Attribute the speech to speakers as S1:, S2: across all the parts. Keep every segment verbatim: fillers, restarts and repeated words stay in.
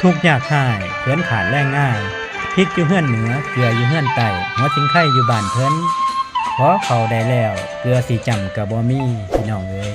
S1: ทุกยากข่ายเพิ่นขาดแรงง่ายพริกอยู่เฮือนเหนือเกลืออยู่เฮือนใต้หัวสิงไข่อยู่บ้านเพิ่นขอเข้าได้แล้วเกลือสิจำก็บ่มีพี่น้องเอ้ย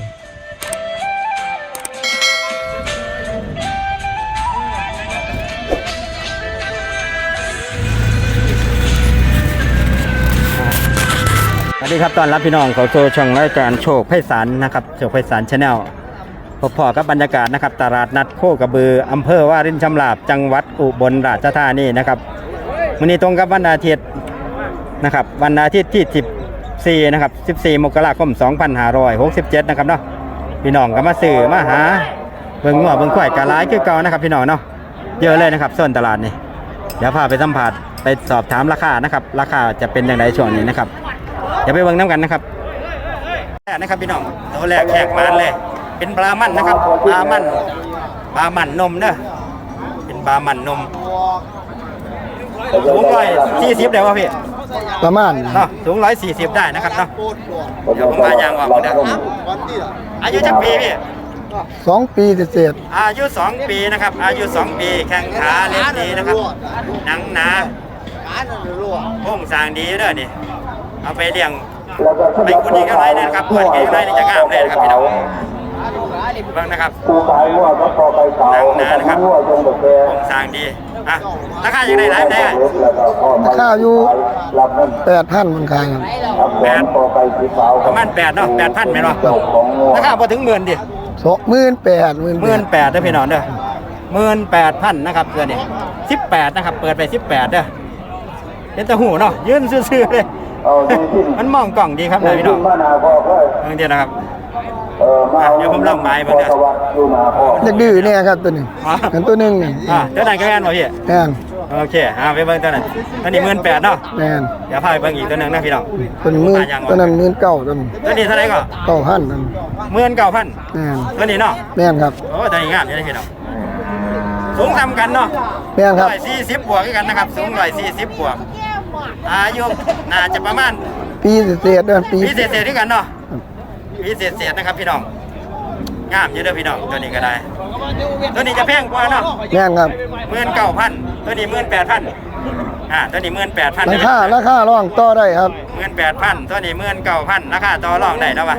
S1: สวัสดีครับตอนรับพี่น้องเขาโซช่องรายการโชคไพศาลนะครับโชคไพศาลชาแนลพบพอกับบรรยากาศนะครับตลาดนัดโคกระบืออำเภอวารินชำราบจังหวัดอุบลราชธานีนะครับวันนี้ตรงกับวันอาทิตย์นะครับวันอาทิตย์ที่สิบสี่นะครับสิบสี่มกราคมสองพันห้าร้อยหกสิบเจ็ดนะครับเนาะพี่น้องก็มาซื้อมาหาเบิ่งงัวเบิ่งควายกะหลายคือเก่านะครับพี่น้องเนาะเยอะเลยนะครับโซนตลาดนี่เดี๋ยวพาไปสัมผัสไปสอบถามราคานะครับราคาจะเป็นอย่างไรช่วงนี้นะครับเดี๋ยวไปเบิ่งน้ำกันนะครับแรกนะครับพี่น้องตัวแรกแขกมานเลยเป็นปลามันนะครับปลามันปลามันนมเนอะเป็นปลามันนมสูงร้อยสี่สิบได้ป่ะพี่
S2: ประมาณ
S1: เนาะสูงร้อยสี่สิบได้นะครับเนาะเดี๋ยวผมมายางออกเดี๋ยวอายุจักปีพี่
S2: สองปีเศษ
S1: อายุสองปีนะครับอายุสองปีแข้งขาเล็กดีนะครับหนังหนาโค้งสร้างดีเด้อนี่เอาไปเลี้ยงไปคุณอีกอะไรเนี่ยนะครับเปิดกี่อะไรนี่จะงามเลยนะครับพี่น้องบ้างนะครับหนังหนานะครับโค้งสร้างดีอ่ะราคาอย่างไรหลายได้
S2: ราคาอยู่แปดพันมันขาย
S1: แปดประมาณแปดเนาะแปดพันไหมเนาะราคาพอถึงหมื่นดิ
S2: สองหมื่นแปดหมื่น
S1: หมื่นแปดได้พี่น้องเด้อหมื่นแปดพันนะครับเดือนนี้สิบแปดนะครับเปิดไปสิบแปดเด้อเป็นตะหูเนาะยืนซื่อๆเลยมันมองกล่องดีครับเลยพี่น้องเมื่อกี้นะครับเดี๋ยวผมลองไม้เพื่อน
S2: อยากดื้อเนี่ยครับตัวหนึ่งกันตัวหนึ่ง
S1: อ่าตัวไหนก็แอนมาพี่
S2: แอน
S1: โอเคอ่าไปเบิ้งตัวนั้นตัวนี้หมื่นแปดเนาะ
S2: แอน
S1: เดี๋ยวพาไปเบิ้งอีกตัวหนึ่งนะพี่น้อง
S2: ตัวนี้หมื่นตัวนั้นหมื่นเก้าตัวนี้
S1: ตัวนี้เท่าไหร่ก็
S2: เก้าพัน
S1: หมื่นเก้าพัน
S2: แอน
S1: ตัวนี้เนาะ
S2: แอนครับ
S1: โอ้ตัวนี้งามเลยพี่น้องสูงทำกันเนาะ
S2: แอนครับ
S1: ร้อยสี่สิบบวกกันนะครับสูงร้อยสี่สิบบวกอายุน่าจะประมาณ
S2: ปีเศษเด้อปี
S1: ปีเศษเศษด้วยกันเนาะปีเศษเศษนะครับพี่น้องงามเยอะเด้อพี่น้องตัวนี้ก็ได้ตัวนี้จะแพงกว่าเนาะ
S2: แพงครับ
S1: หมื่นเก้าพันตัวนี้หมื่นแปดพันอ่าตัวนี้หมื่นแปดพัน
S2: ราคาราคาร่องต่อได้ครับ
S1: หมื่นแปดพันตัวนี้หมื่นเก้าพันราคาต่อรองได้แล้ววะ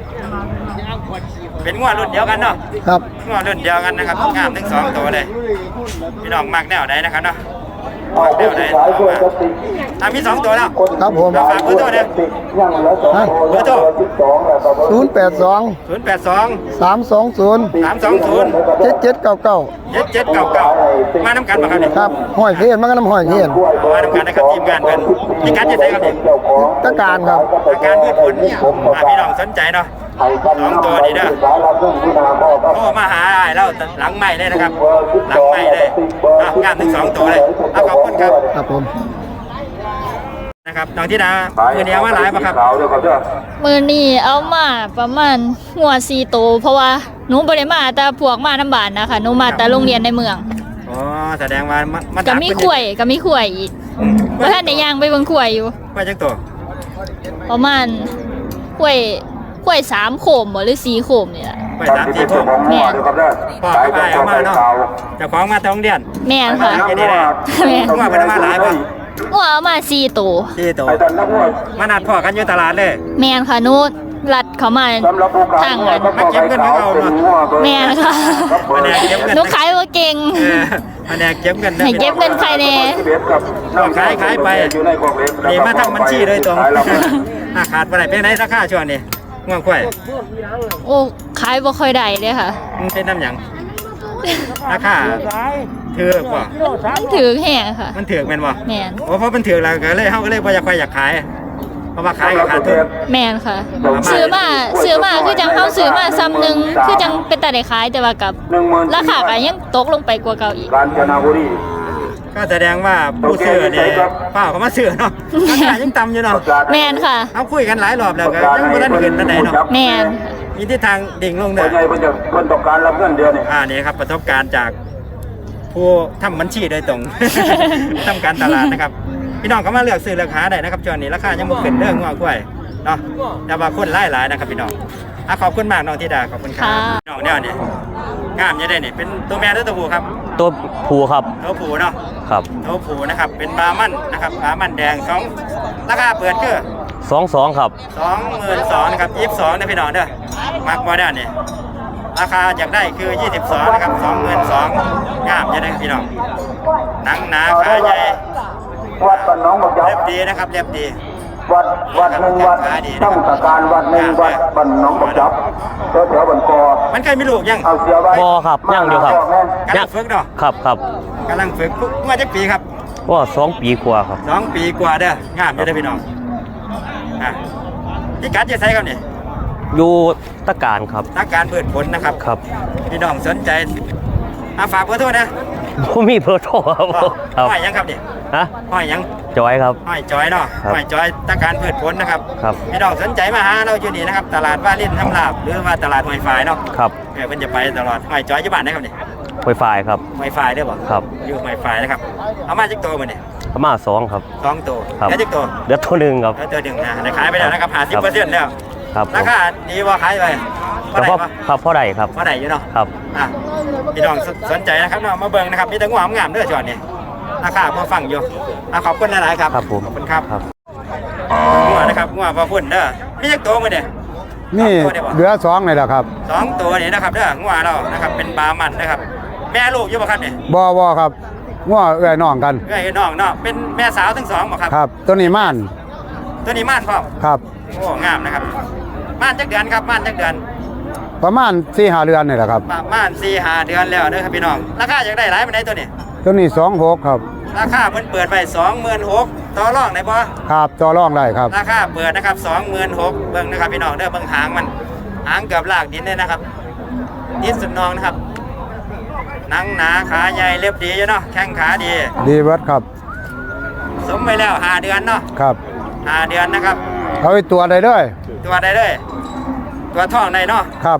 S1: เป็นงวดรุ่นเดียวกันเนาะ
S2: ครับ
S1: งวดรุ่นเดียวกันนะครับงามทั้งสองตัวเลยพี่น้องมักแนวไหนนะครับเนาะเดี๋ยวไหนอ่ะมีสองตัวแล้ว
S2: ครับผม
S1: ฝากเบอร์โทรเนี่ยเบอร์โทร
S2: ศูนย์แปดสอง
S1: ศูนย์แปดสอง
S2: สามสองศูนย์
S1: สามสองศูนย์
S2: เจ็ดเจ็ดเก้าเก้า
S1: เจ็ดเจ็ดเก้าเก้ามาน้ำกันมาครับเนี่ย
S2: ครับห้อยเพียนมากันน้ำห้อยเพียน
S1: มาน้ำกันนะครับทีมงานเป็นมีการจะใส่ครับเนี่ย
S2: ตะการครับ
S1: ตะการพืชผลพี่น้องสนใจเนาะสองตัวนี้เด้อโอ้มาหาไอ้แล้วหลังใหม่เลยนะครับหลังใหม่เลยงามทั้งสองตัวเลยขอบคุณครับ
S2: ครับผม
S1: นะครับน้องที่ดามือนี้เอามาหลายป่ะครับ
S3: มือนี้เอามาประมาณหัวสี่โตเพราะว่าหนูบริมาแต่พวกมาน้ำบานนะคะหนูมาแต่โรงเรียนในเมือง
S1: อ๋อแสดงว่ามัน
S3: ก็มีข่วยก็มีข่วยอีกเพราะท่านในย่างไปเบิ่งข่วยอยู่
S1: ข่วยจังตัว
S3: ประมาณข่วยข่วยสามโขมหรือสี่โขมนี่แหละ
S1: ข่วยสามสี่โขม
S3: แม่น
S1: พ่อไปเอามาเนาะจะคล้องมาแต่โรงเรียน
S3: แม่นค่ะ
S1: แม่นว่าเป็นมาหลายป่ะ
S3: ว่าเอามาสี่โต
S1: สี่โตมานัดพ่อกันอยู่ตลาดเลย
S3: แม่นค่ะนู้นรัดเขามาทางกัน
S1: มาเก็บเงินของเราเนาะ
S3: แม่นค่ะหนูขายว่าเก่ง
S1: มาแนกเก็บเงิน
S3: ให้เก็บเงินใครแน่
S1: ขายขายไปนี่มาทำบัญชีโดยตรงขาดไปไหนเป็นไหนราคาช่วงนี้ง่วงควาย
S3: โอ้ขายบ่ค่อยได้เลยค่ะ
S1: มันเป็นน้ำหยังราคาถือป่ะ
S3: มันถือแห้งค่ะ
S1: มันถือแม่นป่ะ
S3: แม่น
S1: โอ้เพราะมันถือแล้วก็เลยเฮาก็เลยบ่อยากไปอยากขายเพราะว่าขายก็ขาดทุน
S3: แม่นค่ะซื้อมาซื้อมาคือจังเฮาซื้อมาซ้ำนึงคือจังเป็นตาได้ขายแต่ว่ากับราคาก็ยังตกลงไปกว่าเก่าอีก
S1: ก็แสดงว่าผู้ซื้อเนี่ยเปล่าเขามาซื้อเนาะราคายังต่ำอยู่เนาะ
S3: แม่นค่ะ
S1: เอาคุยกันหลายรอบแล้วก็ยังบ่ทันขึ้นปานใดเนาะ
S3: แม่น
S1: มีทิศทางดิ่งลงเด้อเพิ่นต้องการรับเงินเดือนนี่อ่านี่ครับประสบการณ์จากผู้ทำบัญชีโดยตรงทำการตลาดนะครับพี่น้องก็มาเลือกซื้อเลือกหาได้นะครับช่วงนี้ราคายังบ่ขึ้นเรื่องงัวกล้วยเนาะแต่ว่าคนหลายๆนะครับพี่น้องอ่ะขอบคุณมากน้องธิดาขอบคุณครับ
S3: ค่ะ
S1: น้องเนี่ยนี่งามอยังได้นี่เป็นตัวแม่หรือตัวผู้ครับ
S4: ตัวผูครับ
S1: ตัวผู้เนาะ
S4: ครับ
S1: ตัวผู้นะครับเป็นบามันนะครับบามันแดงสองราคาเปิดคือ
S4: สองสองครับ
S1: สองหมื่นสองนะครับยี่สิบสองนะพี่น้องเด้อมักบ่ได้นี่ราคาอยากได้คือยี่สิบสองนะครับสองหมื่นสองงามอยังได้พี่น้องหนังหนาขาใหญ่
S5: วัดบ้านหนองบักยับ
S1: เล็บดีนะครับเล็บดี
S5: วัดวัดหนึ่งวัดตั้งตะการวัดหนึ่งวัดบ้านหนองบักยับแถวแถวบันกอ
S1: มันเคยมีลูกยัง
S5: เอาเสียไว้
S4: บอครับย่างเดียวครับ
S1: กำลังฝึกเนาะ
S4: ครับครับ
S1: กำลังฝึกเมื่อจักปีครับ
S4: ว่าสองปีกว่าครับ
S1: สองปีกว่าเด้องามอยู่เด้อพี่น้องอ่ะที่กัดจะใช้ครับนี่
S4: อยู่ตะการครับ
S1: ตักการเปิดผลนะครับ
S4: ครับ
S1: พี่น้องสนใจอาฝากเบอร์โทรนะ
S4: ผมมีเบอร์โทรครับครับ
S1: ห้อยยังครับนี่
S4: ฮะ
S1: ห้อยยัง
S4: จอยครับ
S1: ห้อยจอยเนาะ
S4: ครับ
S1: ห้อยจอยตักการเปิดผลนะครับ
S4: ครับ
S1: พี่น้องสนใจมาหาเราอยู่นี่นะครับตลาดว่าเล่นทำลาบหรือว่าตลาดหอยฝายเนาะ
S4: ครับ
S1: เออเพิ่นจะไปตลอดห้อยจอยอยู่บ้านได้ครับนี่
S4: ไฟไฟครับ
S1: หอยฝายได้บ่
S4: ครับ
S1: อยู่หอยฝายนะครับเอามาจักตัวมื้อนี่
S4: ประมาณสองครับ
S1: สองตัว
S4: ครับ
S1: แล้วจักตัว
S4: เดือดตัวหนึ่งครับ
S1: แล้วตัวหนึ่งนะได้ขายไปแล้วนะครับห้าสิบเปอร์เซ็นต์แล้ว
S4: ครับผม
S1: ราคาดีว่าขายไป
S4: ครั
S1: เท่า
S4: บ
S1: ไหร่
S4: พ่อ
S1: ปะ
S4: ครับพ่อใดครับ
S1: เท่าไหร่อยู่เนาะ
S4: ครับ
S1: อ่ะพี่น้องสสนใจนะครับเนาะมาเบิ่งนะครับมีแต่งวงามๆเด้อจอดนี่ราคาพอฟังอยู่อ่ะขอบคุณหลายๆครับ
S4: ครับผม
S1: ขอบคุณครับ
S4: ครับ
S1: งัวนะครับงัวพอพุ่นเด้อมีจักตัวมื้อนี่
S2: นี่เหลือสองเลยละครับ
S1: สองตัวนี่นะครับเด้องัวเรานะครับเป็นบามันนะครับ แม่ลูกอยู่บ่ครับนี่
S2: บอบอครับง้อเอื้อยน้องกัน
S1: เอ้ยน้องเนาะเป็นแม่สาวทั้งสองบ่ครับ
S2: ครับ ตัวนี้ม่าน
S1: ตัวนี้ม่านพร้อม
S2: ครับ
S1: โอ้งามนะครับม่านจักเดือนครับม่านจักเดือน
S2: ประมาณสี่ห้าเดือนนี่แหละครับ
S1: ประมาณสี่ห้าเดือนแล้วเด้อครับพี่น้องราคาอยากได้หลายปานใดตัวนี้
S2: ตัวนี้สองหกครับ
S1: ราคาเพิ่นเปิดไว้สองหมื่นหกต่อรองได้บ่
S2: ครับต่อรองได้ครับ
S1: ราคาเปิดนะครับสองหมื่นหกเบิ่งนะครับพี่น้องเด้อเบิ่งหางมันหางเกือบลากดินเลยนะครับดินสุดนองนะครับหนังหนาขาใหญ่เล็บดีอยู่เนาะแข้งขาดี
S2: ดีเบิดครับ
S1: สมไปแล้วห้าเดือนเนาะ
S2: ครับ
S1: ห้าเดือนนะครับ
S2: เอาไปตัวได้ด้วย
S1: ตัวใดเลยตัวท้องใดเนาะ
S2: ครับ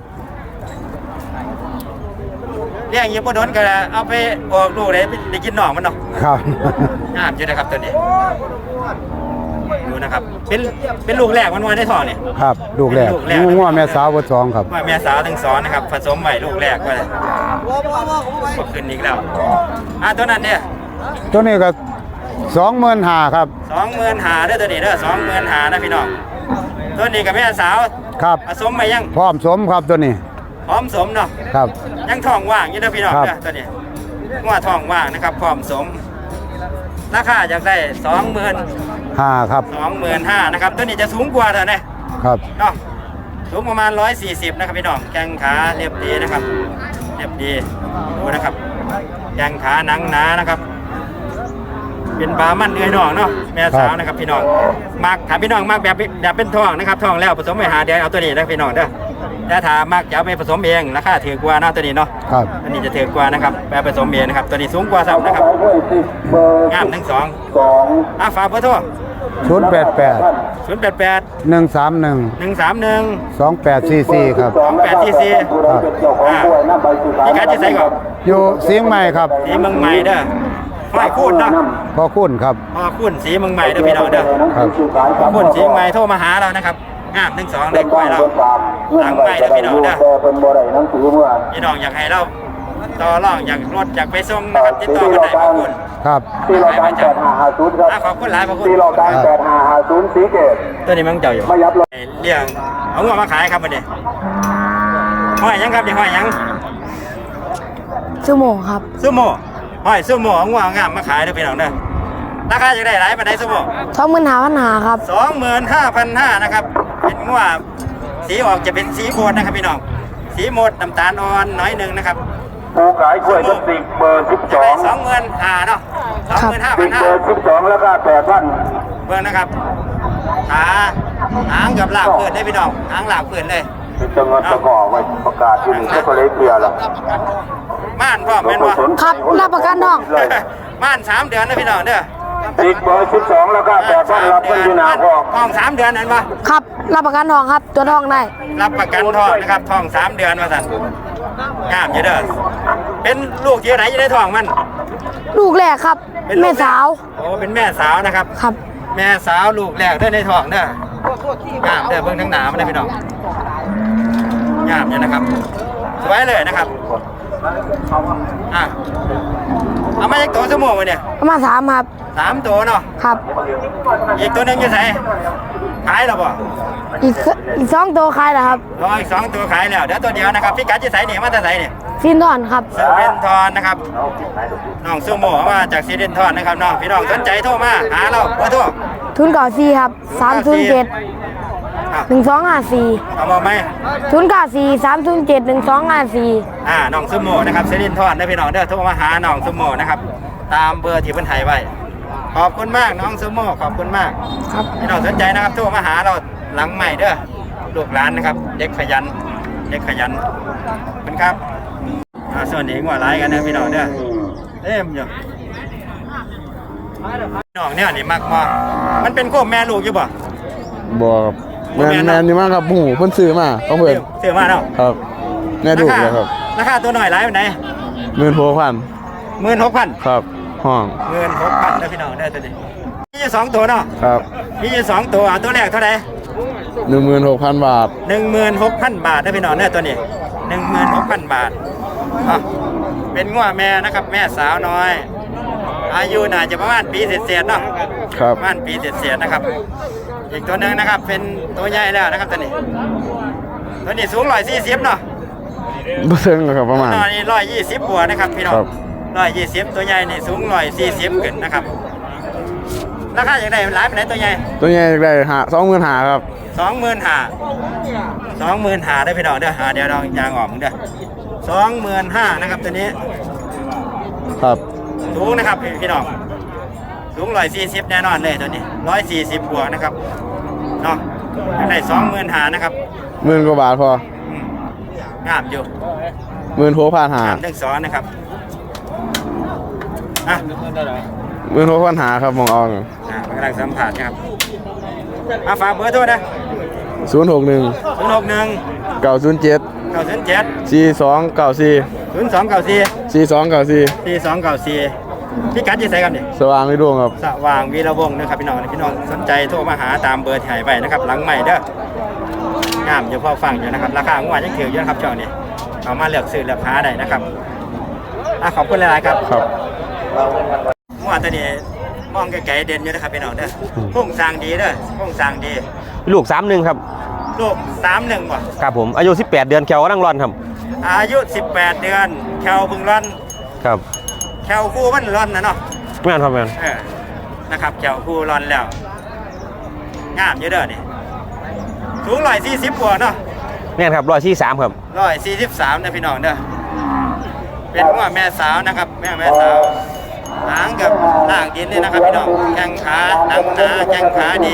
S1: เลี้ยงอยิบบ่โดนก็เอาไปออกลูกได้ได้กินหนองมันเนาะ
S2: ครับ
S1: งามอยู่นะครับตัวนี้ดูนะครับเป็นเป็นลูกแรกมันว่าได้ท้องนี่
S2: ครับลูกแรก
S1: ลูกแรก
S2: ง้อแม่สาวบทสองครับ
S1: ว่าแม่สาวทั้งสองนะครับผสมไว้ลูกแรกไว้ก็ขึ้นอีกแล้วอ่ะตัวนั้นเนี่ย
S2: ตัวนี้ก็สองหมื่นห้าครับ
S1: สองหมื่นหาเด้อตัวนี้เด้อสองหมื่นหานะพี่น้องตัวนี้กับแม่สาว
S2: ครับ
S1: ผสมไปยัง
S2: พร้อมสมครับตัวนี้
S1: พร้อมสมเนาะ
S2: ครับ
S1: ยังท้องว่างอยู่เด้อพี่น้อง
S2: ครับ
S1: เด้อตัวนี้ว่าท้องว่างนะครับพร้อมสมราคาอยากได้สองหมื่น
S2: ห้าครับ
S1: สองหมื่นห้านะครับตัวนี้จะสูงกว่าเท่าไหร่
S2: ครับ
S1: เนาะสูงประมาณร้อยสี่สิบนะครับพี่น้องแข้งขาเรียบดีนะครับเรียบดีดูนะครับแข้งขาหนังหนานะครับ เป็นบามันเนื้อน้องเนาะแม่สาวนะครับพี่น้องมักถามพี่น้องมักแบบแบบเป็นทองนะครับทองแล้วผสมไปหาเดียวเอาตัวนี้นะพี่น้องเด้อแต่ถ้ามักจะเอาไปผสมเองราคาถือกว่าเนาะตัวนี้เนาะ
S2: ครับ
S1: ตัวนี้จะถือกว่านะครับแบบผสมเองนะครับตัวนี้สูงกว่าซ้ำนะครับ
S5: เบอร์
S1: งามทั้งสอง
S5: สอง
S1: อ่ะฝากเบอร์โทร
S2: ศูนย์แปดแปด
S1: ศูนย์แปดแปด
S2: หนึ่งสามหนึ่ง
S1: หนึ่งสามหนึ่ง
S2: สองแปดสี่สี่ครับ
S5: สองนะครับเป็นเจ้าของกล้วยน้ำใบสุสาน
S1: พี่กัดจะใส่ก่อน
S2: อยู่เสียงใหม่ครับ
S1: สีเมืองใหม่เด้อห้อยคูนเนาะ
S2: พอคุณครับ
S1: พอคูนสีเมืองใหม่เด้อพี่น้องเด้อ
S2: ครับ
S1: พอคูนสีเมืองใหม่โทรมาหาเรานะครับงามทั้งสองเลยกล้วยเราหลังใหม่เด้อพี่น้องเด้อ
S5: เป็นบ่ได้หนังสือเมื่อ
S1: พี่น้องอยากให้เราต่อรองอยากรถอยากไปส่งนะครับติดต่อกันได้ขอบคุณ
S2: ครับ
S5: ที่เราการแปดห้าห้าศูนย์ครับ
S1: อ่ะขอบคุณหลายขอบคุณ
S5: ที่เราการแปดห้าห้าศูนย์สีเกต
S1: ตัวนี้มันเจ้าอยู่
S5: ไม่ยับเลย
S1: เลี้ยงเอาเงินมาขายครับวันนี้ห้อยหยังครับนี่ห้อยหยัง
S6: ชั่วโมงครับ
S1: ซูโม่ห้อยซูโม่เอาเงินเอางามมาขายเด้อพี่น้องเด้อราคาจะได้หลายปานใดซูโม่
S6: ท้องมือหนาปัญหาครับ
S1: สองหมื่นห้าพันห้านะครับเป็นงัวสีออกจะเป็นสีโมดนะครับพี่น้องสีโมดน้ำตาลอ่อนน้อยหนึ่งนะครับ
S5: ผู้ขายกล้วยต้นสิบเบอร์สิบส
S1: จะ
S5: อ
S1: ได้
S5: ง
S1: สองหมื่นห้าเนาะสองหมื่นห้า
S5: สิ
S1: พั
S5: บ
S1: นห้า
S5: เบอร์สิบสองแล้วก็แปดพัน
S1: เบิ่งนะครับขาหางกับลากเพื่อนได้พี่น้องหางลากเพื่อนเลย
S5: เป็นจังหวัดตะก่อไว้ประกาศที่นี่ก็เลยเคลียร์แล้ว
S1: ม่านพ่อแม่นบ่
S6: ครับรับประกันทอง
S1: ม่านสามเดือนนะพี่น้องเด้อ
S5: สิบเบอร์สิบสองแล้วก็แปดพันรับเงินที่นาพอก
S1: ทองสามเดือนนั่นบ่
S6: ครับรับประกันทองครับ ตัวทองได้
S1: รับประกันทองนะครับทองสามเดือนว่าสั่นงามอยู่เด้อเป็นลูกเยอะไหนจะได้ทองมัน
S6: ลูกแรกครับ
S1: เป็นลูก
S6: แม่สาว
S1: โอ้เป็นแม่สาวนะครับ
S6: ครับ
S1: แม่สาวลูกแรกได้ในท้องเด้องามเด้อเบิ่งทั้งหนามันได้พี่น้องงามเนี่ยนะครับสวยเลยนะครับอ่ะเอามาจากตัวสมองมาเนี่ย
S6: ประมาณสามครับ
S1: สามตัวเนาะ
S6: ครับ
S1: อีกตัวหนึงอยู่ไหนขายแล้วบ่
S6: อีกสอีกสองตัวขายแล้วครับ
S1: รออีกสองตัวขายแล้วเดี๋ยวตัวเดียวนะครับพี่กัดจะใส่เนี่ยมาแต่ใส่เนี่ย
S6: ซินทอนครับ
S1: ซีเรนทอนนะครับน้องซูโม่มาจากซีเรนทอนนะครับน้องพี่น้องสนใจโทรมาหาเราเบอร์โทร
S6: ทุนเก่าสี่ครับสามศูนย์เจ็ด
S1: อ่ะ
S6: หนึ่งสองห้าสี่
S1: เอามาไหม
S6: ทุนเก่าสี่สามศูนย์เจ็ดหนึ่งสองห้าสี่
S1: อ่าน้องซูโม่นะครับซีเรนทอนได้พี่น้องเด้อโทรมาหาน้องซูโม่นะครับตามเบอร์ที่เพิ่นให้ไว้ขอบคุณมากน้องซูโม่ขอบคุณมาก
S6: ครับ
S1: พี่น้องสนใจนะครับโทรมาหาเราหลังใหม่เด้อลูกหลานนะครับเด็กขยันเด็กขยันขอบคุณครับอ่าส่วนนี้งัวหลายกันนะพี่น้องเด้อเต็มอยู่พี่น้องเนี่ยนี่มักมากมันเป็นโคมแม่ลูกอยู่บ่
S2: บ่ครับแมนแมนนี่มากครับหมูเพิ่นซื้อมาเอาเพิ่น
S1: ซื้อมาเนาะ
S2: ครับแม่ดูเลยครับ
S1: ราคาตัวหน่อยหลายปานใด
S2: หมื่นหกพัน
S1: หมื่นหกพัน
S2: ครับห้อง
S1: หมื่นหกพันนะพี่น้องได้ตัวนี้มีอยู่สองตัวเนาะ
S2: ครับ
S1: มีอยู่สองตัวเอาตัวแรกเท่าไหร่
S2: หนึ่งหมื่นหกพันบาท
S1: หนึ่งหมื่นหกพันบาทนะพี่น้องเนี่ยตัวนี้หนึ่งหมื่นหกพันบาทอ่ะเป็นงัวแม่นะครับ แม่สาวน้อย อายุน่าจะประมาณปีเศษๆเนาะ
S2: ครับ
S1: ประมาณปีเศษๆนะครับ อีกตัวหนึ่งนะครับ เป็นตัวใหญ่แล้วนะครับตัวนี้ ตัวนี้สูงร้อยสี่สิบเนาะ
S2: บ่ถึงหรอกครับประมาณ
S1: ตัวนี้ร้อยยี่สิบบวกนะครับพี่น้อง
S2: ครับ
S1: ร้อยยี่สิบตัวใหญ่นี่สูงร้อยสี่สิบขึ้นนะครับ ราคาอย่างไรหลายไปไหนตัวใหญ่
S2: ตัวใหญ่ได้หาสองหมื่นหาครับ
S1: สองหมื่นห้าสองหมื่นห้าได้พี่น้องเด้ออ่าเดี๋ยวลองยางออกมึงเด้อสองหมื่นห้านะครับตัวนี้
S2: ครับ
S1: สูงนะครับพี่พี่น้องสูงร้อยสี่สิบแน่นอนเลยตัวนี้ร้อยสี่สิบบวกนะครับเนาะได้สองหมื่นห้านะครับ
S2: หมื่นกว่าบาทพอ
S1: อืมงามอยู่
S2: หมื่นหกพันหาง
S1: ามทั้งสองนะครับอ่ะ
S2: หมื่นหกพันหาครับมองเอา
S1: อ่ะกำลังสัมผัสนะครับมาฝากเบอร์โทรนะ
S2: ศูนย์หกหนึ่ง
S1: ศูนย์หกหนึ่ง
S2: เก้าศูนย์เจ็ด
S1: เก้าศูนย์เจ็ด
S2: สี่สองเก้าสี่
S1: ศูนย์สองเก้าสี่
S2: สี่สองเก้าสี่
S1: สี่สองเก้าสี่พี่กัดยี่ใส่ครับเนี่ย
S2: สว่างในดวงครับ
S1: สว่างวีระวงศ์นะครับพี่น้องพี่น้องสนใจโทรมาหาตามเบอร์ที่ให้ไปนะครับ หลังใหม่เด้องามอยู่พอฟังอยู่นะครับราคางวดยังถืออยู่นะครับเจ้านี่เอามาเลือกซื้อเลือกหาได้นะครับอ่ะขอบคุณหลายๆครับ
S2: ครับ
S1: งวดตัวนี้มองไกลๆเด่นอยู่นะครับพี่น้องเด้อโครงสร้างดีเด้อโครงสร้างดี
S4: ลูกสามหนึ่งครับ
S1: ลูกสามหนึ่งว่ะ
S4: ครับผมอายุสิบแปดเดือนแควกำลังร้อนครับ
S1: อายุสิบแปดเดือนแควบึงร่อน
S4: ครับ
S1: แควคู่มันร่อนนะเนาะ
S4: แม่นครับแม่น
S1: เออนะครับแควคู่ร่อนแล้วงามอยู่เด้อนี่สูงร้อยสี่สิบบวกเนาะ
S4: แม่นครับร้อยสี่สามครับ
S1: ร้อยสี่สิบสามนะพี่น้องเด้อเป็นหัวแม่สาวนะครับ แม่แม่สาวหางกับล่างดินนี่นะครับพี่น้องแข้งขาหนังหนาแข้งขาดี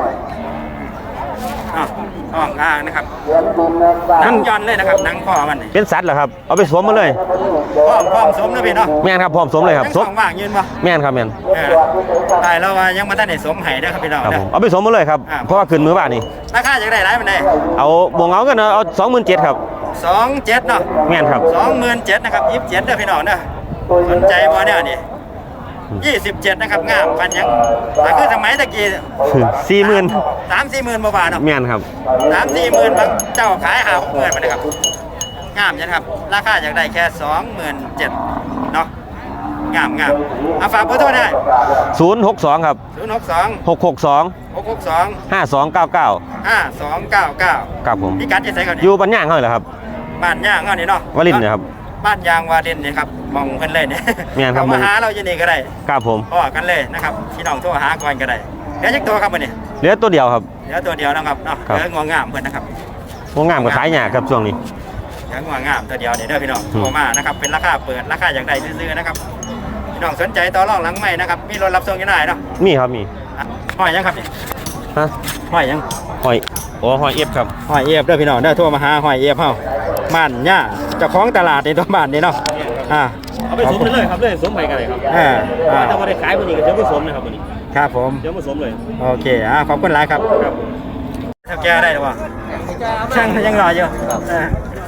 S1: อ้าวท้องอ่างนะครับหนังย่อนเลยนะครับหนังคอมันนี่
S4: เป็นสัตว์เหรอครับเอาไปสวมมาเลย
S1: พร้อมพร้อมสมนะพี่เนาะ
S4: แม่นครับพร้อมสวมเลยครับ
S1: ยัง
S4: ส
S1: ส
S4: ว
S1: อ
S4: ม
S1: งว่างยืนบ่
S4: แม่นครับแม่น
S1: เออได้แล้วว่ายังมาได้ในสมไห้เด้อครับพี่น้อง
S4: ครับ
S1: เด้
S4: ผ
S1: อ
S4: มเอาไปสวมมาเลยครับ
S1: อ่า
S4: เพราะว่าขึ้นมือบ้านนี่
S1: ราคาจะได้หลายมันได้
S4: เอาบวงเอากันเอาสองหมื่นเจ็ดครับ
S1: สองเจ็ดเนาะ
S4: แม่นครับ
S1: สองหมื่นเจ็ดนะครับยี่สิบเจ็ดเด้อพี่น้องเด้อสนใจบ่เนี่ยนี่ยี่สิบเจ็ดนะครับงามพันยังแต่คือสมัยตะกี้
S4: สี่หมื่น
S1: สามสี่หมื่นบาทเนาะ
S4: แม่นครับ
S1: สามสี่หมื่นบางเจ้าขายหาหกหมื่นมาเลยครับงามจังครับราคาอยากได้แค่สองหมื่นเจ็ดเนาะงามงามเอาฝากเบอร์โทรได้
S4: ศูนย์หกสองครับ
S1: ศูนย์หกสอง
S4: หกหกสอง
S1: หกหกสอง
S4: ห้าสองเก้าเก้า
S1: ห้าสองเก้าเก้า
S4: ครับผม
S1: พี่กัดจะใส่ก่อน
S4: อยู่ปัญญางเขาเหรอครับ
S1: บ้านย่างเงานี่เนาะ
S4: วลินทร์นะครับ
S1: บ้านยางวาลินนี่ครับมองเพิ่นเลยเนี่ย
S4: แม่นครับ
S1: เขามาหาเราอยู่นี่ก็ได้
S4: ครับผม
S1: พ่อกันเลยนะครับพี่น้องโทรหาก่อนก็ได้เดี๋ยวจักตัวครับวันนี้
S4: เหลือตัวเดียวครับ
S1: เดี๋ยวตัวเดียวนะครับเนาะ
S4: ครับ
S1: เดี๋ยวงวงงามเพิ่นนะครับ
S4: วงงามกับขายหยาครับช่วงนี้
S1: เดี๋ยวงวงงามตัวเดียวนี่เด้อพี่น้อง
S4: อืม
S1: โทรมานะครับเป็นราคาเปิดราคาอย่างใดซื้อๆนะครับพี่น้องสนใจต่อรองหลังใหม่นะครับมีรถรับส่งยังได้เนาะ
S4: มีครับมี
S1: อ่ะห้อยยังครับนี่
S4: ฮะ
S1: ห้อยยัง
S4: หอยโอ้หอยเอฟครับ
S1: ห้อยเอฟเด้อพี่น้องเด้อโทรมาหาห้อยเอฟเฮาบ้านย่าเจ้าของตลาดในตัวบ้านนี่เนาะอ่า
S4: เอาไปสวมเลยครับเลยสวมไปกันเลยครับ
S1: อ่าอ่า
S4: ถ้าว่าได้ขายวันนี้ก็จะไม่สวมนะครับวันนี้
S1: ครับผม
S4: เดี๋ยวมาสวมเลย
S1: โอเคอ่าขอบคุณหลายครับถ้าแก้ได้หรือเปล่าช่างยังรออยู่อ่า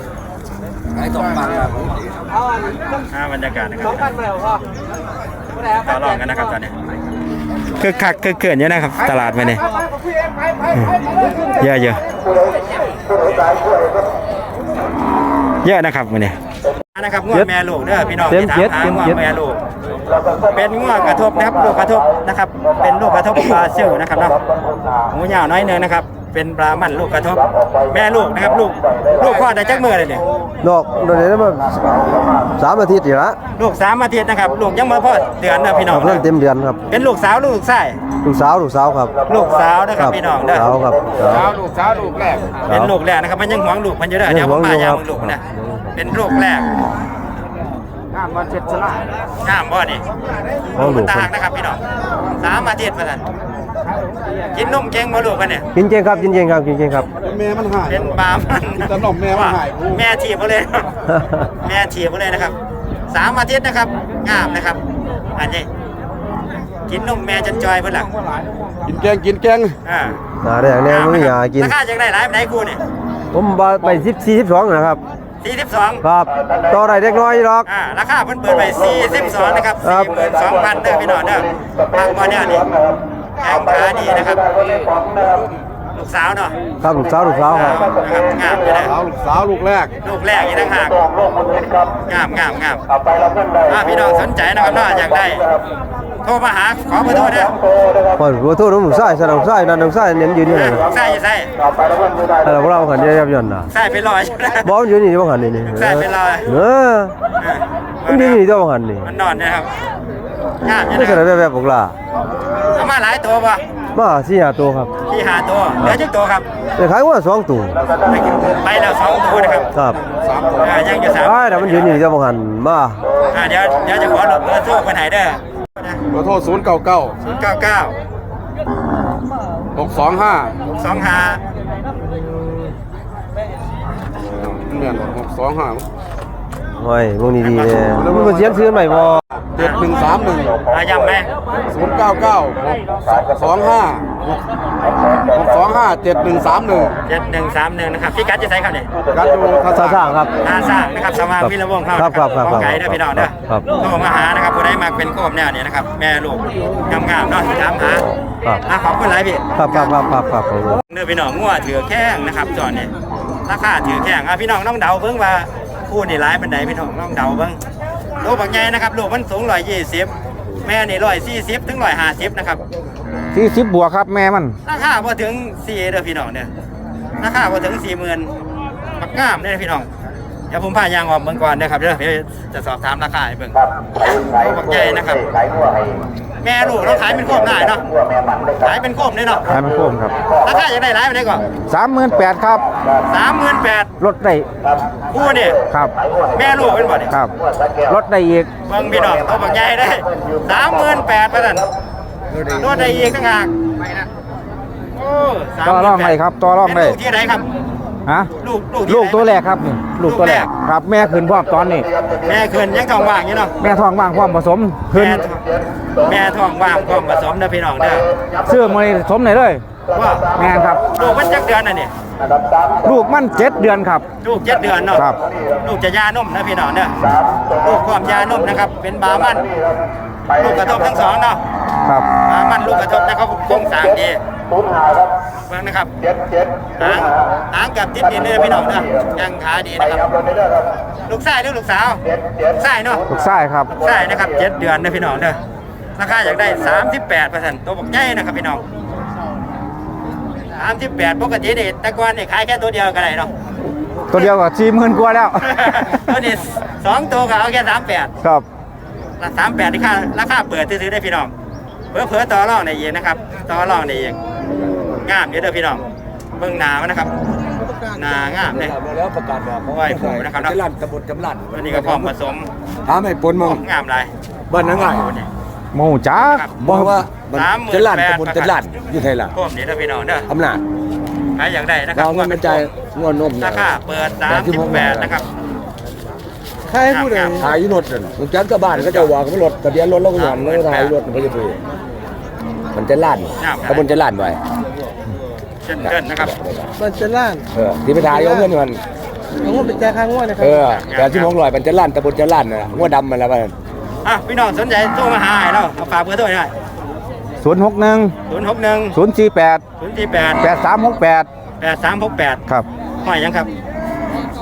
S1: อ่าบรรยากาศนะครับต่อรองกันนะครับตอนนี้คือคักคือเกินเยอะนะครับตลาดไปเนี่ยเยอะเยอะเยอะนะครับมื้อนี้นะครับงวดแม่ลูกเด้อพี่น้องที่ถามหางวดแม่ลูกเป็นงวดกระทบนะครับลูกกระทบนะครับเป็นลูกกระทบบราซิลนะครับเนาะหูยาวน้อยเนึงนะครับเป็นปลามันลูกกระทบแม่ลูกนะครับลูกลูกคลอดได้จักมื้อเลยเนี่ย
S2: ดอกโดนได้มาสามอาทิตย์อยู่ละ
S1: ลูกสามอาทิตย์นะครับลูกยังบ่พอเดือนนะพี่น้อง
S2: เพิ่งเต็มเดือนครับ
S1: เป็นลูกสาวลูกชาย
S2: ลูกสาวลูกสาวครับ
S1: ลูกสาวนะครับพี่น้องเด้อ
S2: สาวครับสาว
S1: ลูกสาวลูกแรกเป็นลูกแรกนะครับมันยังหวงลูกมันอยู่เด้อเดี๋ยวผมพายามลูกนะเป็นลูกแรกงามบ่เจ็ดสลายงามบ่นี่ตางนะครับพี่น้องสามอาทิตย์ว่าซั่นกินนมเก่งบ่ลูกกันเนี่ย
S2: กินเก่งครับกินเก่งครับกินเก่งครับ
S1: เป็นปลามันแต่นมแม่มันหายแม่ถีบบ่เลยแม่ถีบบ่เลยนะครับสามอาทิตย์นะครับงามนะครับอันนี้กินนมแม่จนจอยเพิ่นล่ะ
S2: กินแกงกินแกง
S1: อ่า
S2: หาได้อย่างนี้ไม่อยากกิน
S1: ราคาจังได้หลายปานใดกูนี่
S2: ผมไปสิบสี่สิบสองนะครับ
S1: สี่สิบสอง
S2: ครับต่อได้เล็กน้อยหรอก
S1: อ่าราคาเพิ่นเปิดไปสี่สิบสองนะครับ
S2: ครับ
S1: สี่หมื่นสองพันเด้อพี่น้องเด้อทางบ่เนี่ยนี่แข้งขาดีนะครับลูกสาวเนาะ
S2: ครับลูกสาวลูกสาวครับ
S1: นะครับงามอยู่นะ
S2: ลูกสาวลูกแรก
S1: ลูกแรกอีกต่างหากงามงามงามอ่าพี่น้องสนใจนะครับเนาะอยากได้โทรมาหาขอเบอร์โทรเด้อ
S2: พอรู้โทษน้องชายสนองชายนั่นน้องชายเน้นยืนนี่นะ
S1: ใส่ใส่
S2: เราพวกเราขันเดียวยันนะ
S1: ใส่ไปลอยใช่ไหม
S2: บอลยืนนี่บ้างขันนี่นี่
S1: ใส่ไปลอย
S2: เออมันยืนนี่ตัวบ้างขันนี่
S1: มันนอนนะครับงามอยู่
S2: ไม่
S1: นะ
S2: ใช่แบบแบบพวกเรา
S1: เอามาหลายตัวป่ะ
S2: มาสี่ห้าตัวครับ
S1: ที่หาตัวเหลือจักตัวครับ
S2: แต่ขายว่าสองตัว
S1: ไปแล้วสองตัวนะครับ
S2: ครับ
S1: อ่ายังอยู่สาม
S2: ไอ้แต่มันยืนนี่ตัวบ้างขันมา
S1: อ่าเดี๋ยวเดี๋ยวจะขอเบอร์โทรคนไหนเด้อ
S2: ขอโทษศูนย์เก้าเก้า
S1: ศูนย์เก้าเก้า
S2: หกสองห้า
S1: สองห้า
S2: เหมือนหกสองห้าโอ้ยพวกนี้ดีเลยมันมาเสียนซื้อใหม่บ่เจ็ดหนึ่งสามหนึ่ง
S1: อาย้ำไหม
S2: ศูนย์เก้าเก้าสองห้าหกสองห้าเจ็ดหนึ่งสามหนึ่ง
S1: เจ็ดหนึ่งสามหนึ่งนะครับพี่กัดจะใส่ครับเนี่ย
S2: การดูท่าสร้างครับ
S1: ท่าสร้างนะครับสว่างวิรวงศ์เขา
S2: ครับครับครับ
S1: ของไก่เด้อพี่น้องเด้อ
S2: ครับ
S1: โทรมาหานะครับผู้ใดมาเป็นโคมแนวเนี่ยนะครับแม่ลูกงามๆเนาะถามหา
S2: ครับ
S1: อ่ะขอบคุณหลายพี่
S2: ครับครับครับครับครับผม
S1: เด้อพี่น้องงัวถือแข้งนะครับจอดเนี่ยราคาถือแข้งอ่ะพี่น้องต้องเดาเบิ่งว่าคู่นี่ร้ายเป็นไหนพี่น้องต้องเดาเบิ่งลูกบางใหญ่นะครับลูกมันสูงร้อยยี่สิบแม่นี่ร้อยสี่สิบถึงร้อยห้าสิบนะครับ
S2: สี่สิบบวกครับแม่มัน
S1: ราคาพอถึงสี่เด้อพี่น้องเนี่ยราคาพอถึงสี่หมื่นปักงามเนี่ยพี่น้องเดี๋ยวผมพายางออกเบิ่งก่อนนะครับเดี๋ยวเดี๋ยวจะสอบถามราคาให้เบิ่งลูกบางใหญ่นะครับแม่ลูกเราขายเป็นโคมได้เนาะขายเป็นโคมเลยเนาะ
S2: ขายมันโค้งครับ
S1: ราคาจะได้หลายไปได้ก่อน
S2: สามหมื่นแปดครับ
S1: สามหมื่นแปด
S2: ลดได้
S1: คู่นี่
S2: ครับ
S1: แม่ลูกเป็นบ่เนี่ย
S2: ครับลดได้อีก
S1: เบิ่งพี่น้องตัวบางใหญ่ได้สามหมื่นแปดไปนั่นรถได้อีกต่างหากโอ้สามห
S2: ต่อ
S1: มื่นแปด
S2: รองได้ครับต่อรองได้
S1: เป็นลูกที่ไหนครับ
S2: ฮะ
S1: ลูกลูกที่
S2: ลูก
S1: ไหน
S2: ตัวแรกครับนี่ลูกตัวแรกครับแม่ขึ้นพร้อมตอนนี้
S1: แม่คืนยังทองว่างอยู่เนาะ
S2: แม่ท้องว่างความผสมขึ้น
S1: แม่แม่ทองว่างพร้อมผสมเด้อพี่น้องเด้อ
S2: เสื้อมาสมไหนเลย
S1: ว่า
S2: แม่ครับ
S1: ลูกมันจักเดือนน่ะนี่
S2: ลูกมันเจ็ดเดือนครับ
S1: ลูกเจ็ดเดือนเนาะ
S2: ครับ
S1: ลูกจะยานมนะพี่น้องเด้อลูกความยานมนะครับเป็นบามันลูกกระทบทั้งสองเนาะ
S2: ครับ
S1: บามันลูกกระทบนะครับโครงสร้างดีเบิ่งนะครับหางหางกับติดดินเลยพี่น้องเด้อยังขาดีนะครับลูกชายหรือลูกสาวลูกชายเนาะ
S2: ลูกชายครับ
S1: ลูกชายนะครับเจ็ดเดือนนะพี่น้องเด้อราคาอยากได้สามสิบแปดเปอร์เซ็นต์ตัวบักใหญ่นะครับพี่น้องสามสิบแปดปกตินี่แต่ก่อนนี่ขายแค่ตัวเดียวก็ได้เนาะ
S2: ตัวเดียวกับสี่หมื่นกว่าแล้ว
S1: ตัวนี้สองตัวก็เอาแค่สามแปด
S2: ครับ
S1: สามแปดที่ค่าราคาเปิดซื้อได้พี่น้องเพื่อเพื่อต่อรองในเองนะครับต่อรองในเองงามเยอะเด้อพี่น้องเบิ่งหนามันนะครับหนางามเลย
S7: แล้วประกาศบอก
S1: ไหวผูนะครับเนาะ
S7: จลั่นตำบลจำลั่น
S1: ตัวนี้ก็พร้อมผสม
S7: ถามให้ปนมอง
S1: งามหลาย
S7: บ้านนั่งไง
S1: โอ้นี่
S2: โมจ้า
S1: ครับ
S7: บอกว่ามัน
S1: สามหมื่น
S7: จลั่น
S1: แปด
S7: ตำบลจำลั่นอยู่ไทยล่ะ
S1: พร้อมนี่เด้อพี่น้องเด้อ
S7: อำนาจ
S1: ใครอยากได้นะครับ
S7: เราเงินกระจายงวนนม
S1: ราคาเปิดสามสิบแปดนะครับ
S7: ใครพูดเลยถ่ายรถนั่นมึงจันกับบ้านก็จะว่ากับรถทะเบียนรถแล้วก็หย่อนแล้วถ่ายรถมันก็จะไปมันจะลั่นตำบลจะลั่นไว้
S1: เช่นเดินนะครับ
S2: มันจะล่าง
S7: เออที่ไปถ่ายเอาเงินมัน
S2: ผมว่าเป็นแจค้างว่านะครั
S7: เออแต่ที่มองลอยมันจะลั่นตำบลจะลั่นน่ะงวดดำมันแล้วมัน
S1: อ่ะพี่น้องสนใจโทรมาหาให้เราเอาฝากเบอร์โทรหน่อย
S2: ศูนย์หกหนึ่ง
S1: ศูนย์หกหนึ่ง
S2: ศูนย์สี่แปด
S1: ศูนย์สี่แปด
S2: แปดสามหกแปด
S1: แปดสามหกแปด
S2: ครับ
S1: ห้อยยังครับ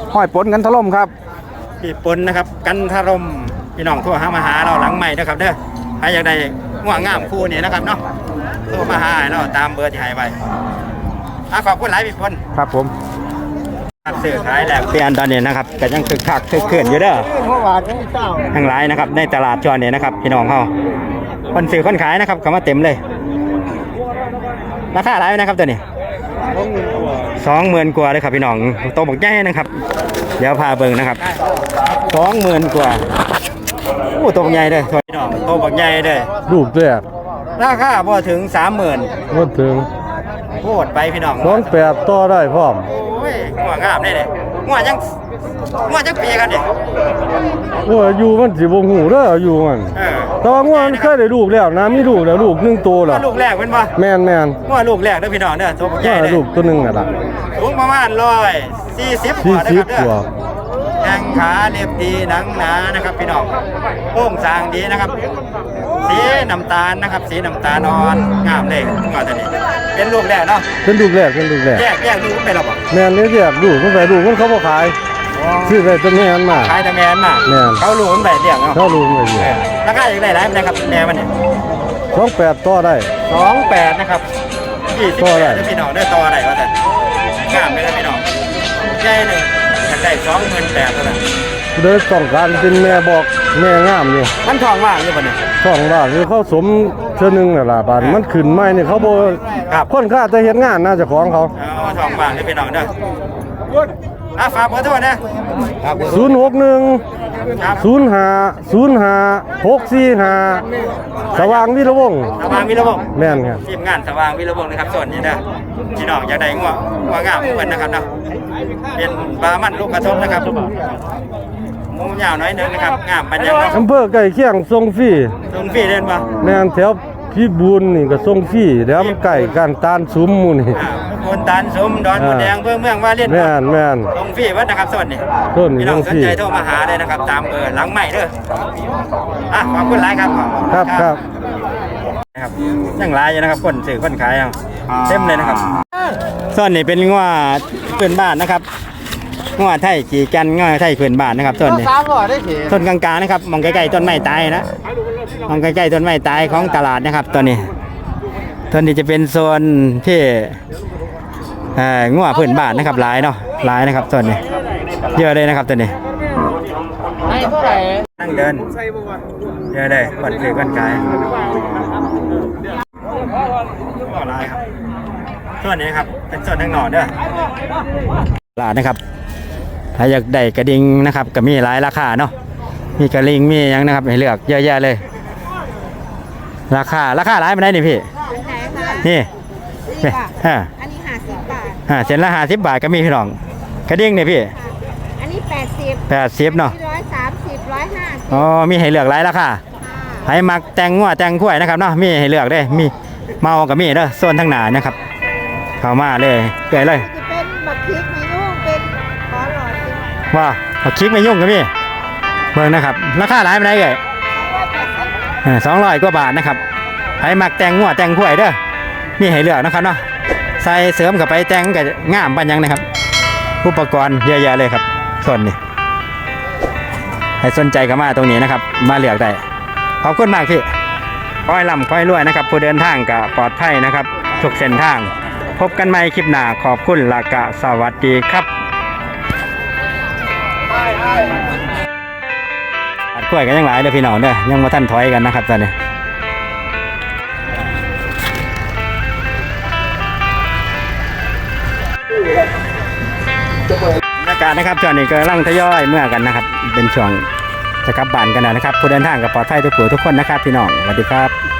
S2: ห้อยปนกันถล่มครับ
S1: พี่ปนนะครับกันทรมพี่น้องโทรหามาหาเราหลังใหม่นะครับเด้อใครอยากได้ง่วงงามคู่นี่นะครับเนาะโทรมาหาเราตามเบอร์ที่ให้ไว้อ่ะขอบคุณหลายพี่ปน
S2: ครับผม
S1: ซื้อขายแหลกเปลี่ยนตอนนี้นะครับก็ยังคึกคักคึกคืนอยู่เด้อทั้งหลายนะครับในตลาดจอเนี่ยนะครับพี่น้องเขาคนซื้อคนขายนะครับเข้ามาเต็มเลยราคาหลายนะครับตัวนี้สองหมื่นกว่าเลยครับพี่น้องโตบักใหญ่นะครับเดี๋ยวพาเบิ่งนะครับสองหมื่นกว่าโอ้โตบักใหญ่เลยพี่น้องโตบักใหญ่เลย
S2: ลูกแรก
S1: ราคาพอถึงสามหมื่น
S2: บ่ถึง
S1: โคตรไปพี่น้อง
S2: สองแปดต่อได้พร้อม
S1: โอ้ยหัวงามได้เลยหัวยังหัวยังปีกันดิ
S2: โอ้ยอายู่มันสิบ่ฮู้เด้ออายู่มัน
S1: เออ
S2: แต่ว่างัวมันเคยได้ลูกแล้วนะมีลูกแล้วลูกหนึ่งตัว
S1: หัว
S2: ล่ะ
S1: ลูกแรกเป็นปะ
S2: แม่นแม่น
S1: หัวลูกแรกเด้อพี่น้องเด้อตัวบักให
S2: งั
S1: ญ่
S2: ว
S1: เลย
S2: ลูกตัวหนึงน่ะล่ะ
S1: สูงประมาณร้อยสี่สิบก
S2: สี่
S1: ว่านะ
S2: สิ
S1: ค
S2: บ
S1: รับเด้
S2: กว่า
S1: อแข้งขาเรียบดีหนังหนานะครับพี่น้องโค้งสร้างดีนะครับ สีน้ำตาลนะครับ สีน้ำตาลอ่อนงามเลยหัวตัวนี้เป็นลูกแรกเนาะ
S2: เป็นลูกแรกเป็นลูกแรก
S1: แยกแยกลูกไปหรอเปล่า
S2: แม่นนี่แยกลูกมันไปลูกมันเขาบ่ขายซื้อได้แต่แม่นมา
S1: ขายแต่แมนมา
S2: แม่น
S1: เขาลูกมันไปเรียกเนาะ
S2: เขาลูกมันอยู่
S1: เออราคาอย่างไรหลายมันนะครับแม่มันเนี่ย
S2: สองแปดต่อได้
S1: สองแปดนะครับยี่สิบ
S2: ต่อได้
S1: แปดพี่น้องได้ต่อได้ว่าแต่งามเลยนะพี่น้องใหญ่หนึ่งอยากได้สองหมื่นแปดเท่านั้น
S2: เด้อต้องการเป็นแม่บอกแม่งามอยู่
S1: มันทองว่างอยู่ปะเนี่ย
S2: ช่องล่างคือเขาสมเทื่อหนึงน่ะล่ะบาดมันขึ้นใหม่นี่เขาบ่
S1: ครับ
S2: คนค่าแต่เฮ็ดงานน่าจะของเขา
S1: เอาทองว่างให้พี่น้องเด้ออ่ะฝากขอโทษนะ
S2: ศูนย์หกหนึ่ง
S1: ครับ
S2: ศูนย์ห้า ศูนย์ห้า หกสี่ห้าสว่างวิรวงศ์
S1: สว่างวิรวงศ์
S2: แม่นครับ
S1: ทีมงานสว่างวิรวงศ์นะครับส่วนนี้นะพี่น้องอยากได้งัวงัวงามเหมือนนะครับเนาะเป็นปลามันลูกกระทบนะครับหมูยาวน้อยหนึงนะครับงามปัญญาเนาะ
S2: อำเภอใกล้เคียงส่งฟรี
S1: ตรงพี่เล่นปะ
S2: แม่นแถวพี่บูนนี่ก็ส่งฟรีเดี๋ยวมันใกล้กันตาลซุ้มหมู่นี่
S1: อ่าคนตาลสมดอนมดแดงเพื่อเมืองว่าเล่น
S2: แม่นแม่น
S1: ตรงพี่วัดนะครับส่วนนี้
S2: ส่วนนี้
S1: พี่น้อง
S2: ต
S1: ส
S2: รง
S1: น
S2: พี่
S1: ใจโทรมาหาเลยนะครับ ตามเบอร์หลังใหม่เด้ออ่ะขอบคุณหลายครับ
S2: ครับครับ
S1: นะครับยังหลายอยู่นะครับคนซื้อคนขายเอาเต็มเลยนะครับส่วนนี้เป็นงัวพื้นบ้านนะครับงัวไทยขี่กันงัวไทยพื้นบ้านนะครับส่วนนี้ต้นกลางๆนะครับมองใกล้ๆต้นไม้ตายนะมองใกล้ๆต้นไม้ตายของตลาดนะครับตัวนี้ตัวนี้จะเป็นโซนที่เอ่องัวพื้นบ้านนะครับหลายเนาะหลายนะครับส่วนนี้เยอะเลยนะครับตัวนี้นั่งเดินเยอะเลยคนซื้อคนขายก็หลายครับส่วนนี้ครับเป็นส่วนทางหนอนเด้อตลาดนะครับถ้าอยากได้กระดิ่งนะครับก็มีหลายราคาเนาะมีกระดิ่งมีหยังนะครับให้เลือกเยอะแยะเลย ราคาราคาหลายมันได้นี่พี่นี่นี่ฮะ
S8: อันนี้ห้าสิบบาท
S1: ฮะเส้นละห้าสิบบาทก็มีพี่น้องกระดิ่งเนี่ยพี่
S8: อันนี้แปดสิบ
S1: แปดสิบเนาะ
S8: ร้อยสามสิบร้อยห้าสิบ
S1: อ๋อมีให้เลือกหลายราคาให้มักแต่งงัวแต่งกล้วยนะครับเนาะมีให้เลือกได้มีเมากับมีเด้อส่วนทางหน้านะครับเข้ามาเลยเกยเลย
S8: จะเป็นบักพริกมีลูกเป็นขอหลอดเป็น
S1: ว่าเอาคลิกไม่ยุ่งกับพี่เบิ่งนะครับราคาหลายมันได้เกยสองร้อยกว่าบาทนะครับให้มักแต่งงัวแต่งกล้วยเด้อมีให้เลือกนะครับเนาะใส่เสริมกับไปแต่งกับงามปัญญังนะครับอุปกรณ์เยอะแยะเลยครับส่วนนี้ให้สนใจกันมาตรงนี้นะครับมาเลือกได้ขอบคุณมากพี่ค่อยล่ำค่อยรวยนะครับผู้เดินทางก็ปลอดภัยนะครับทุกเส้นทางพบกันใหม่คลิปหน้าขอบคุณและกะสวัสดีครับตัดกล้วยกันยังหลายเลยพี่น้องเด้อยังมาท่านถอยกันนะครับตอนนี้บรรยากาศนะครับช่วงนี้ก็กำลังทยอยเมื่อกันนะครับเป็นช่วงจะกลับบ้านกันแล้วนะครับผู้เดินทางก็ปลอดภัยทุกผู้ทุกคนนะครับพี่น้องสวัสดีครับ